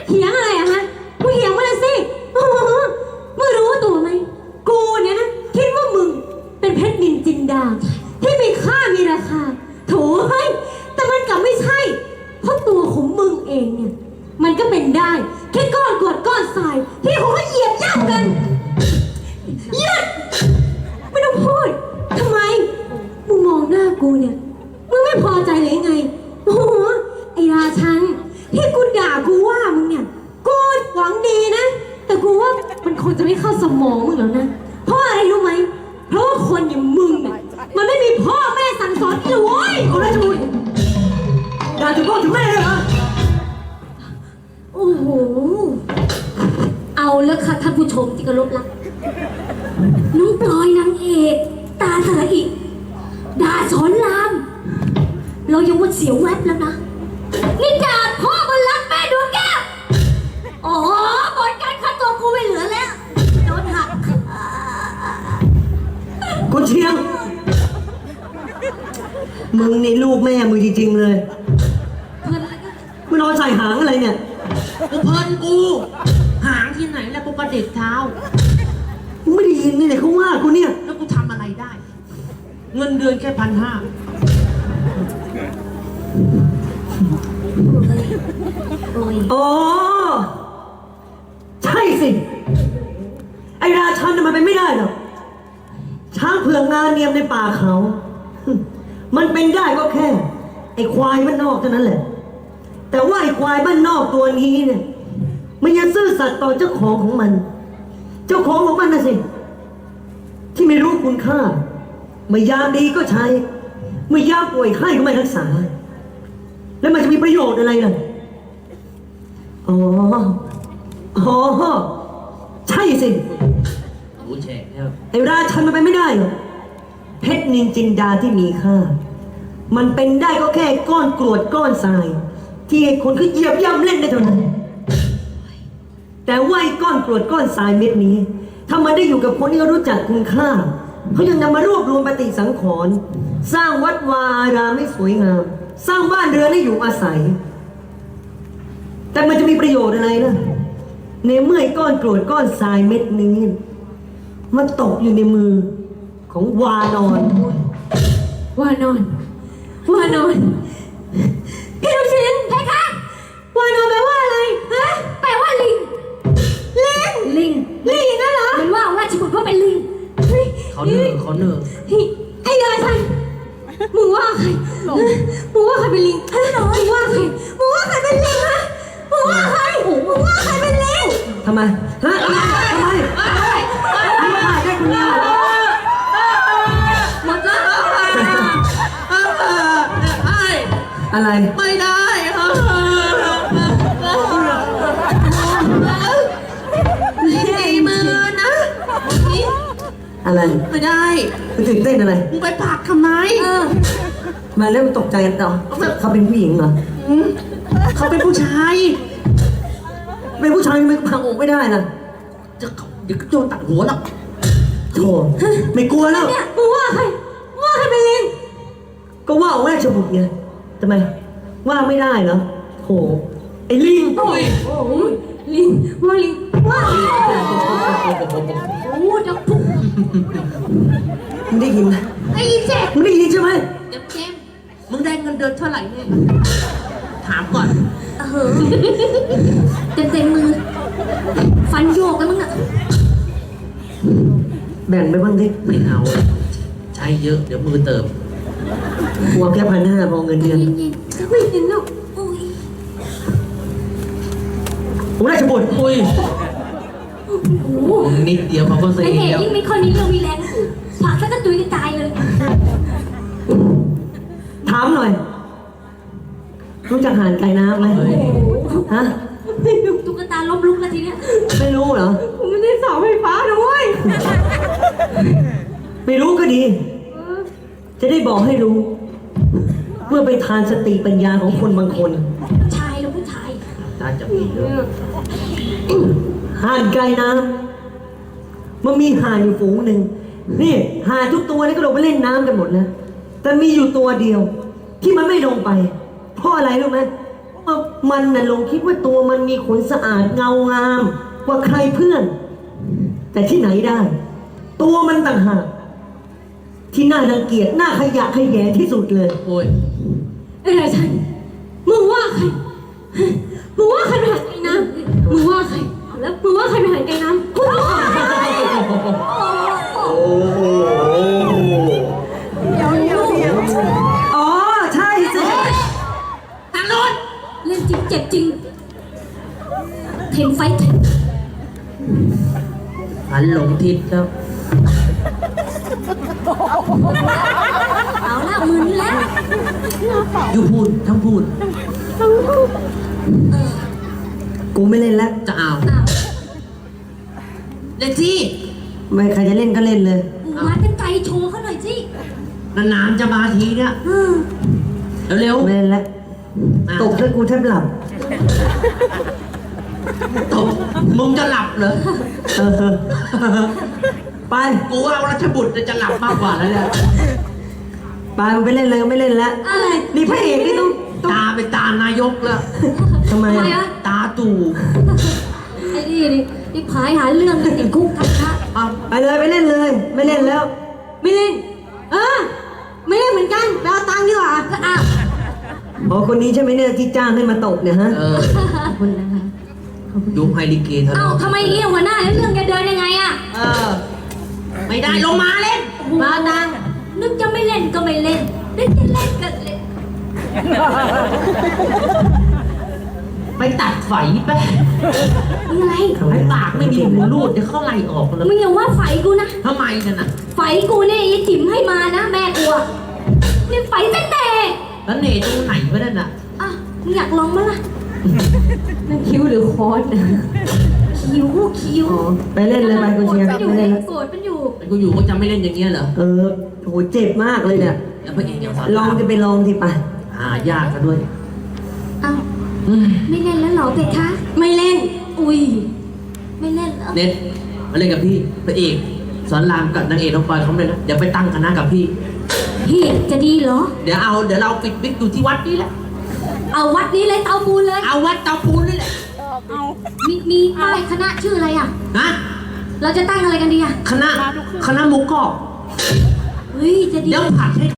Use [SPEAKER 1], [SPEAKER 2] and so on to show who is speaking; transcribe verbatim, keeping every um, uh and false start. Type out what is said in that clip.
[SPEAKER 1] เถียงอะไรอะฮะกูเถียงมาเลยสิโอ้โหมึงรู้ตัวไหมกูเนี่ยนะคิดว่ามึงเป็นเพชรนินจินดาที่มีค่ามีราคาโถเฮ้ยแต่มันกลับไม่ใช่เพราะตัวของมึงเองเนี่ยมันก็เป็นได้แค่ก้อนกรวดก้อนทรายที่เขาเหยียบย่ำกันหยุดไม่ต้องพูดทำไมมึงมองหน้ากูเนี่ยมึงไม่พอใจเลยไงโอ้โหไอ้ราชันที่กูด่ากูว่ามึงเนี่ยกูหวังดีนะแต่กูว่ามันคงจะไม่เข้าสมองมึงแล้วนะเพราะอะไรรู้ไหมเพราะว่าคนอย่างมึงเนี่ยมันไม่มีพ่อแม่สั่งสอนอีกเลยคนละชุดด่าถึงพ่อถึงแม่เลยเหรอโอ้โหเอาแล้วค่ะท่านผู้ชมที่เคารพรักน้องปลอยนางเอกตาสระอิด่าสอนรามเรายังว่าเสียวแวบแล้วนะนี่ด่าพ่อมันรักแม่ดวงแก้วอ๋อบนการคัดตัวกูไม่เหลือแล้วโดนหัก
[SPEAKER 2] กูเชียงมึงนี่ลูกแม่มึงจริงๆเลยมึงนอนใส่หางอะไรเนี่ย
[SPEAKER 3] กูเพลินกูหางที่ไหนแล้วกูกระเด็ดเท้า
[SPEAKER 2] มึงไม่ได้ยินนี่เลยเขาว่ากูเนี่ย
[SPEAKER 3] แล้วกูทำอะไรได้เงินเดือนแค่พันห้า
[SPEAKER 2] อ๋อใช่สิไอราชันมันเป็นไม่ได้หรอกช้างเผือกงานเนียมในป่าเขามันเป็นได้ก็แค่ไอควายบ้านนอกเท่านั้นแหละแต่ว่าไอควายบ้านนอกตัวนี้เนี่ยมันยังซื่อสัตย์ต่อเจ้าของของมันเจ้าของของมันนะสิที่ไม่รู้คุณค่าเมื่อยามดีก็ใช้เมื่อยามป่วยไข้ก็ไม่รักษาแล้วมันจะมีประโยชน์อะไรล่ะอ๋ออ๋อใช่สิ
[SPEAKER 3] รู้แฉกเนี่ย
[SPEAKER 2] ไอ้ราชันมันไปไม่ได้หรอกเพชรนินจินดาที่มีค่ามันเป็นได้ก็แค่ก้อนกรวดก้อนทรายที่คนเขาเหยียบย่ำเล่นได้เท่านั้นแต่ว่าไอ้ก้อนกรวดก้อนทรายเม็ดนี้ถ้ามันได้อยู่กับคนที่เขารู้จักคุณค่าเขายังนำมารวบรวมปฏิสังขรณ์สร้างวัดวาอารามให้สวยงามสร้างบ้านเรือนให้อยู่อาศัยแต่มันจะมีประโยชน์อะไรล่ะในเมื่อไอ้ก้อนกรวดก้อนทรายเม็ดนี้มันตกอยู่ในมือของวานอน
[SPEAKER 1] วานอนวานอนพี่ลูกชิ้นใช่คะวานอนแปลว่าอะไรฮะแปลว่าลิงลิงลิงลิงนั่นเหรอมันว่าราชบุตรว่าเป็นลิง
[SPEAKER 3] เขาเนื้อเขาเนื้อ
[SPEAKER 1] ไอ้ยาชันมึงว่าใครมึงว่าใครเป็นลิงมึงว่าใครมึงว่าใครเป็นลิงฮะมึงว่าใครมึงว่าใครเป็นลิง
[SPEAKER 2] ทำไมฮะทำไมทำไมไม่ได้ได้คนเดียว
[SPEAKER 1] หมดแล้ว
[SPEAKER 2] อะไร
[SPEAKER 3] ไม่ได้ดีมือนะ
[SPEAKER 2] อะไร
[SPEAKER 3] ไม่ได้
[SPEAKER 2] มึงตื่นเต้นอะไร
[SPEAKER 3] มึงไปปากทำไม
[SPEAKER 2] มาแล้วมึงตกใจกันต่อเขาเป็นผู้หญิงเหรอ
[SPEAKER 3] เขาเป็นผู้ชาย
[SPEAKER 2] เป็นผู้ชายไม่พังอกไม่ได้นะ
[SPEAKER 3] จะเดี๋ยวก็โดนตัดหัวหรอก
[SPEAKER 2] โธ่ไม่กลัวแล้ว
[SPEAKER 1] เนี่ยมึงว่าใครว่าใครเป็นลิง
[SPEAKER 2] ก็ว่าเอาแม่ชบุตรไงทำไมว่าไม่ได้เหรอโธ่ไอ้ลิง
[SPEAKER 1] โอ้ยโอ้ยลิงว่าลิงว่าโอ้จับปุ๊บ
[SPEAKER 2] มึงได้ยินไหม
[SPEAKER 1] ไอ้เจ๊
[SPEAKER 2] มึงได้ยินใช่ไหม
[SPEAKER 3] เจ็บเจ็บมึงได้เงินเดือนเท่าไหร่เนี่ยถามก่อน
[SPEAKER 1] เออเต็มเต็มมือฟันโยกกันมึงอะ
[SPEAKER 2] แบ่งไปบ้างดิ
[SPEAKER 3] ไม่เอาใช้เยอะเดี๋ยวมือเติม
[SPEAKER 2] หัวแค่พันห้าพอเงินเดือน
[SPEAKER 1] ไม่เห็นหรอกโอ้ย
[SPEAKER 2] ผมได้ชบุตร
[SPEAKER 3] อุ้ยนิดเดียวเขาก็เสีย
[SPEAKER 1] ไอ้เด็กยิ่งไม่ค่อยมีเรื่องมีแรงผักซะก็ตุยกระจายเลย
[SPEAKER 2] ถามหน่อยรู้จักหานไก่น้ำไหมฮะ
[SPEAKER 1] ตุ๊กตาล้มลุกแล้วทีเนี้ย
[SPEAKER 2] ไม่รู้เหรอ
[SPEAKER 1] ผมไม่ได้สอบไฟฟ้าด้วย
[SPEAKER 2] ไม่รู้ก็ดีจะได้บอกให้รู้เพื่อไปทานสติปัญญาของคนบางคน
[SPEAKER 1] ผู้ชายหรือผู้ชาย
[SPEAKER 3] น่าจะมีเยอะ
[SPEAKER 2] ห่านไก่น้ำมันมีห่านอยู่ฝูงหนึ่งนี่ห่านทุกตัวนี่ก็ลงไปเล่นน้ำกันหมดนะแต่มีอยู่ตัวเดียวที่มันไม่ลงไปเพราะอะไรรู้ไหมว่ามันน่ะหลงคิดว่าตัวมันมีขนสะอาดเงางามกว่าใครเพื่อน แต่ที่ไหนได้ ตัวมันต่างหากที่น่ารังเกียจน่าขยะแขยงที่สุดเลย
[SPEAKER 3] โอ้ย
[SPEAKER 1] ไอ้ราชันมึงว่าใครมึงว่าใครเป็นหางไก่น้ำมึงว่าใครแล้วมึงว่าใครเป็นหางไก่น้ำกูว่าใคร
[SPEAKER 2] อ๋อใช่สิ
[SPEAKER 3] ทางโน้น
[SPEAKER 1] เล่นจริงเจ็บจริงเทนไฟท์
[SPEAKER 3] หันหลงทิศแล้ว
[SPEAKER 1] เอาละมึนแล้ว
[SPEAKER 3] อยู่พูดทั้งพูด
[SPEAKER 2] กูไม่เล่นแล้ว
[SPEAKER 3] จะเอา
[SPEAKER 1] อ้าว
[SPEAKER 3] เล่นที่
[SPEAKER 2] ไม่ใครจะเล่นก็เล่นเลย
[SPEAKER 1] มาเป็นไก่โชว์เขาหน่อยสิ
[SPEAKER 3] นานๆจะมาทีเนี่ย
[SPEAKER 1] อืม
[SPEAKER 3] เร็ว
[SPEAKER 2] ไม่เล่นแล้ว
[SPEAKER 3] ๆ
[SPEAKER 2] ตกแล้วกูแทบหลับ
[SPEAKER 3] ตกมึงจะหลับเหรอ
[SPEAKER 2] เออ ไป
[SPEAKER 3] กูว่าราชบุตรจะหลับมากกว่าแล้วเนี่ย
[SPEAKER 2] ไปมึงไปเล่นเลยไม่เล่นแล้ว
[SPEAKER 1] อะไร
[SPEAKER 2] นี่พระเอกนี่ต้องต้อง
[SPEAKER 3] ตาเป็นตานายกแล้ว
[SPEAKER 2] ทำไม
[SPEAKER 1] ทำไม
[SPEAKER 2] อ่ะ
[SPEAKER 1] วะ
[SPEAKER 3] ตาตู่
[SPEAKER 1] ไอ้นี่นี่นี่พายหาเรื่องกันติดคุกกันคะ
[SPEAKER 3] เอา
[SPEAKER 2] ไปเลยไปเล่นเลย ไม่เล่นแล้ว
[SPEAKER 1] ไม่เล่น เออ ไม่เล่นเหมือนกันไปเอาตังค์ดีกว่าอ้าว
[SPEAKER 2] อ๋อคนนี้ใช่ไหมเนี่ยที่จ้างให้มาตกเนี่ยฮะ
[SPEAKER 3] เออ
[SPEAKER 1] ขอบคุณนะคะ
[SPEAKER 3] ดูไฮลิเกเธอ
[SPEAKER 1] เอ้าทำไมเงี้ยหัวหน้าแล้วเรื่องจะเดินยังไงอะ
[SPEAKER 3] เออ ไม่ได้ลงมาเล่น
[SPEAKER 1] มาตังค์นึกจะไม่เล่นก็ไม่เล่นนึกจะเล่นก็เล่น
[SPEAKER 3] ไปตัดไฟไป
[SPEAKER 1] ยังไง
[SPEAKER 3] ไอ้ปากไม่มีหูรูดเดี๋ยวเขาไล่ออกแล้ว
[SPEAKER 1] มึงอย่าว่าไฟกูนะ
[SPEAKER 3] ทำไมกันน่ะ
[SPEAKER 1] ไฟกูเนี่ยไอ้จิ๋มให้มานะแม่กูอะนี่ไฟตั้งแต่
[SPEAKER 3] แล้วเนตรงไหนวะนั่นน่ะ
[SPEAKER 1] อ่ะมึงอยากลองมั้ยล่ะนั่นคิ้วหรือคอสคิ้วคิ้ว
[SPEAKER 2] อ๋อไปเล่นเลยไปคุณเชียร์
[SPEAKER 1] มันอยู่
[SPEAKER 2] ไม่
[SPEAKER 1] เล
[SPEAKER 2] เล่
[SPEAKER 1] ย
[SPEAKER 2] นแล้ว
[SPEAKER 1] โสดมันอยู่
[SPEAKER 3] ไอ้กูอยู่ก็จะไม่เล่นอย่างเงี้ยเหรอ
[SPEAKER 2] เออโหเจ็บมากเลยเนี่ย
[SPEAKER 3] แล้วพระเอกยังสอน
[SPEAKER 2] ลองจะไปลองทีไป
[SPEAKER 3] หายากซะด้วย
[SPEAKER 1] เอ้า
[SPEAKER 3] อืม
[SPEAKER 1] ไม่เล่นแล้วเหรอเป็ดคะ ไม่เล่น อุ้ย ไม่เล่นเหรอ
[SPEAKER 3] เน็ตมาเล่นกับพี่พระเอกสอนรามกับนางเอกน้องปอยเขาเลยนะเดี๋ยวไปตั้งคณะกับพี่
[SPEAKER 1] พี่จะดีเหรอ
[SPEAKER 3] เดี๋ยวเอาเดี๋ยวเราปิดวิกอยู่ที่วัดนี่แหละ
[SPEAKER 1] เอาวัดนี้เลยเตาปูนเลย
[SPEAKER 3] เอาวัดเตาปูนนี่แหละ
[SPEAKER 1] มีมีป้ายคณะชื่ออะไรอ่ะ
[SPEAKER 3] ฮะ
[SPEAKER 1] เราจะตั้งอะไรกันดีอ่ะ
[SPEAKER 3] คณะคณะหมุกกรอบ
[SPEAKER 1] เฮ้ย จะดี
[SPEAKER 3] เดี๋ยวผัดให้